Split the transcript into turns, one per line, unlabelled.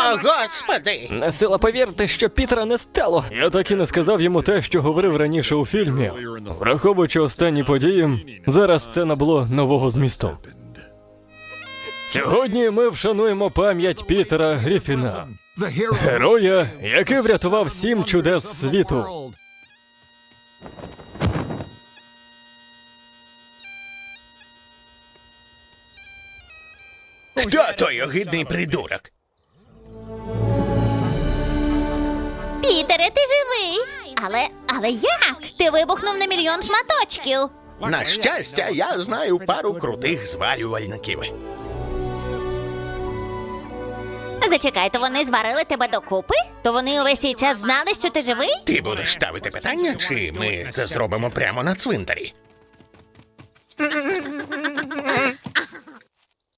господи!
Не сила повірити, що Пітера не стало. Я так і не сказав йому те, що говорив раніше у фільмі. Враховуючи останні події, зараз це набуло нового змісту. Сьогодні ми вшануємо пам'ять Пітера Гріфіна, героя, який врятував 7 чудес світу.
Хто той огидний придурок?
Пітере, ти живий. Але як? Ти вибухнув на мільйон шматочків.
На щастя, я знаю пару крутих зварювальників.
Зачекай, то вони зварили тебе докупи? То вони увесь цей час знали, що ти живий?
Ти будеш ставити питання, чи ми це зробимо прямо на цвинтарі?